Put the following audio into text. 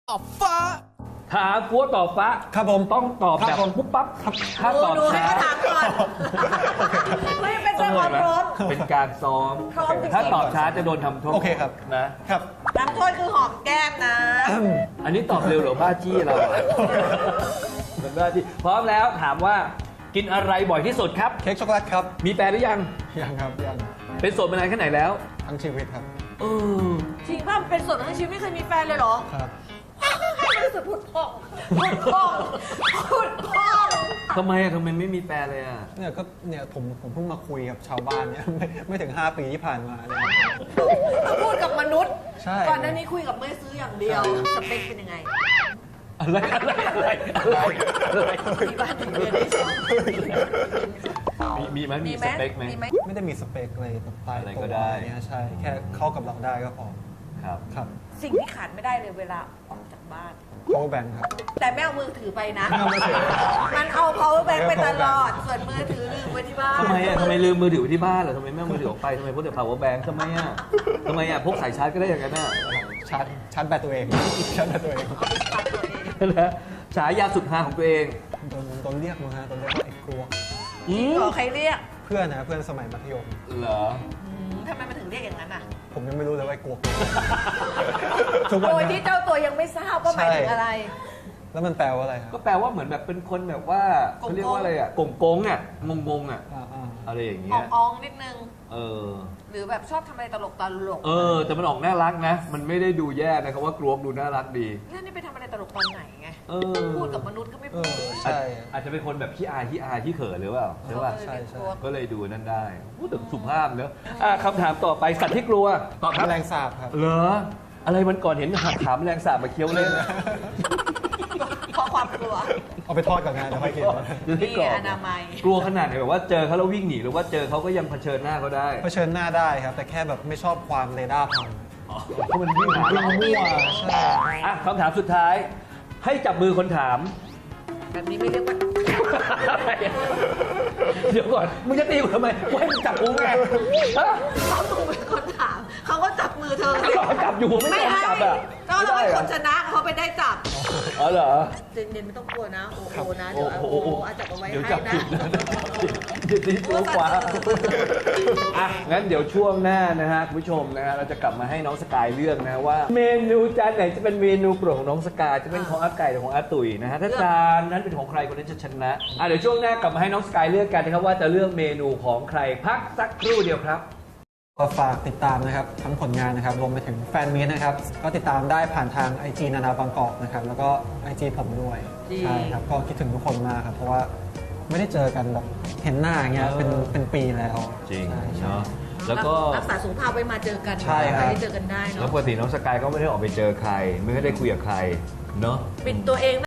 ตอบฟ้าถามกลัวตอบฟ้าครับผมต้องตอบครัแบบบผมปุ๊บปั๊บถ้าตอบดูให้ช้าเขาถามก่อนไม่เป็นต้เจ้าองความพร้อมเป็นการซ้อมพร้อมจริงๆถ้าตอบช้าจะโดนทำโทษโอเคครับนะครับน้ำโทษคือหอมแก้มนะอันนี้ตอบเร็วหรือบ้าจี้เราอะเป็นบ้าจี้พร้อมแล้วถามว่ากินอะไรบ่อยที่สุดครับเค้กช็อกโกแลตครับมีแฟนหรือยังยังครับยังเป็นโสดมานานแค่ไหนแล้วทั้งชีวิตครับเออจริงป่ะเป็นส่วนทั้งชีวิตไม่เคยมีแฟนเลยเหรอครับให้รู้สึกพูดพ่องพูดพ่องพูดพ่องทำไมไม่มีแฟนเลยอ่ะเนี่ยผมเพิ่งมาคุยกับชาวบ้านเนี่ย ไม่ถึง 5 ปีที่ผ่านมาเนี่ยพูดกับมนุษย์ใช่ก่อนหน้านี้คุยกับเมื่อซื้ออย่างเดียว สเปคเป็นยังไงอะไรมีบ้านมีเรือนได้ชมมีไหมมีสเปคไหมมีไหมไม่ได้มีสเปคเลยแบบตายอะไรตัก็วได้เนี่ยใช่ แค่เข้ากับเราได้ก็พอครับครับสิ่งที่ขาดไม่ได้เลยเวลาออกจากบ้าน power bank ครับแต่ไม่เอามือถือไปนะไม่เอามือถือมันเอา power bank ไปตลอด ส่วนมือถือลืมไว้ที่บ้านทำไมลืมมือถือไว้ที่บ้านเหรอทำไมไม่เอามือถือออกไปทำไมพกแต่ power bank ทำไมพกสายชาร์จก็ได้อย่างนั้นน่ะชาร์จแบตตัวเอง ชาร์จแบตตัวเองนะฉายาสุดฮาของตัวเองโดนเรียกมาฮะโดนเรียกว่าไอ้กลัวขอใครเรียกเพื่อนนะเพื่อนสมัยมัธยมเหรอทำไมมันถึงเรียกอย่างนั้นอ่ะผมยังไม่รู้เลยว่าไอ้กลัวทุกวันโดยเนี้ที่เจ้าตัวยังไม่ทราบว่าหมายถึงอะไรแล้วมันแปลว่าอะไรครับก็แปลว่าเหมือนแบบเป็นคนแบบว่าเขาเรียกว่าอะไรอ่ะกงกงอ่ะงงอ่ะอ่าอะไรอย่างเงี้อย องๆนิดนึงเออหรือแบบชอบทำอะไรตลกแต่มันออกน่ารักนะ มันไม่ได้ดูแย่นะครับว่ากลวงดูน่ารักดีแล้วนี่ไปทำอะไรตลกตอนไหนไงเออพูดกับมนุษย์ก็ไม่เอพูดอใช่อาจจะเป็นคนแบบขี้อายขี้เขินหรือเปล่าใช่ป่ะใช่ใช่ก็เลยดูนั่นได้พูดถึงสุภาพเนอะคำถามต่อไปสัตว์ที่กลัวตอบครับแมลงสาบครับเหรออะไรมันก่อนเห็นหักขาแมลงสาบมาเคี้ยวเล่นเพราะความกลัวเอาไปทอดก่อนงานเดี๋ยวค่อยกินจะได้กรอบนี่อนามัยกลัวขนาดไหนแบบว่าเจอเขาแล้ววิ่งหนีหรือว่าเจอเขาก็ยังเผชิญหน้าเขาได้เผชิญหน้าได้ครับ แต่แค่แบบไม่ชอบความเรดาร์พังเพราะมันวิ่งหาวิ่เรางมั่วใช่คำถามสุดท้าย ให้จับมือคนถามแบบนี้ไม่เรียกว่าเดี๋ยวก่อนมึงจะตีกูทำไมกูให้มึงจับกูไงฮะเขาถูกเป็นคนถาม เขาก็จับมือเธอเขาจับอยู่ไม่ไม่ยอมให้จับอ่ะก็เราเป็นคนชนะเขาไปได้จับอ๋อเหรอเจนๆไม่ต้องกลัวนะโอ้โหนะเดี๋ยวโอ้โหอาจับเอาไว้เดี๋ยวให้จับนะผิดนะเดี๋ยวตีตัวขวางั้นเดี๋ยวช่วงหน้านะฮะคุณผู้ชมนะฮะเราจะกลับมาให้น้องสกายเลือกนะว่า เมนูจานไหนจะเป็นเมนูโปรดของน้องสกายจะเป็นของอาไก่หรือของอาตุ๋ยนะฮะถ้าจานนั้นเป็นของใครคนนั้นจะชนะเดี๋ยวช่วงหน้ากลับมาให้น้องสกายเลือกกันนะครับว่าจะเลือกเมนูของใครพักสักครู่เดียวครับก็ฝากติดตามนะครับทั้งผลงานนะครับรวมไปถึงแฟนมีตนะครับ ก็ติดตามได้ผ่านทาง IG นานาบางกอกนะครับแล้วก็ IG ผมด้วยจริงใช่ครับก็คิดถึงทุกคนมากครับ เพราะว่าไม่ได้เจอกันแบบเห็นหน้าอย่างเงี้ยเป็นปีแล้วจริงใช่ใช่เนาะแล้วก็รักษาสุขภาพไว้มาเจอกันใช่ครับได้เจอกันได้แล้วเนาะปกติน้องสกายก็ไม่ได้ออกไปเจอใคร ไม่ได้คุยกับใครเนาะปิดตัวเอง